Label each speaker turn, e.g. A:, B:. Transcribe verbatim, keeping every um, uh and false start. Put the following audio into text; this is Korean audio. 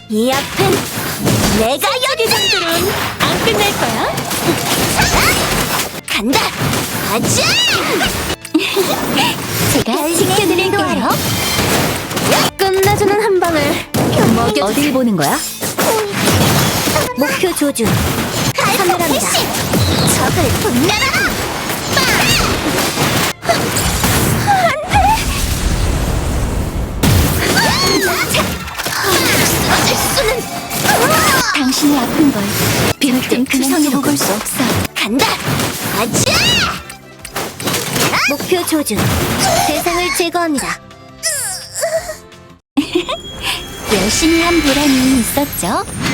A: 이 앞은 내가 여기들은 안 끝낼 거야. 간다. 가자. 제가 지켜드릴게요. 끝내주는 한 방을 먹여.
B: 어딜 보는 거야?
A: 목표 조준. 카메라입니다. 적을 분멸하라. 쓰러질 수는.
B: 당신이 아픈 걸
A: 절대
B: 그
A: 그냥
B: 선으로
A: 두고
B: 볼 수 없어.
A: 간다. 가자. 목표 조준. 대상을 제거합니다.
B: 열심히 한 보람이 있었죠?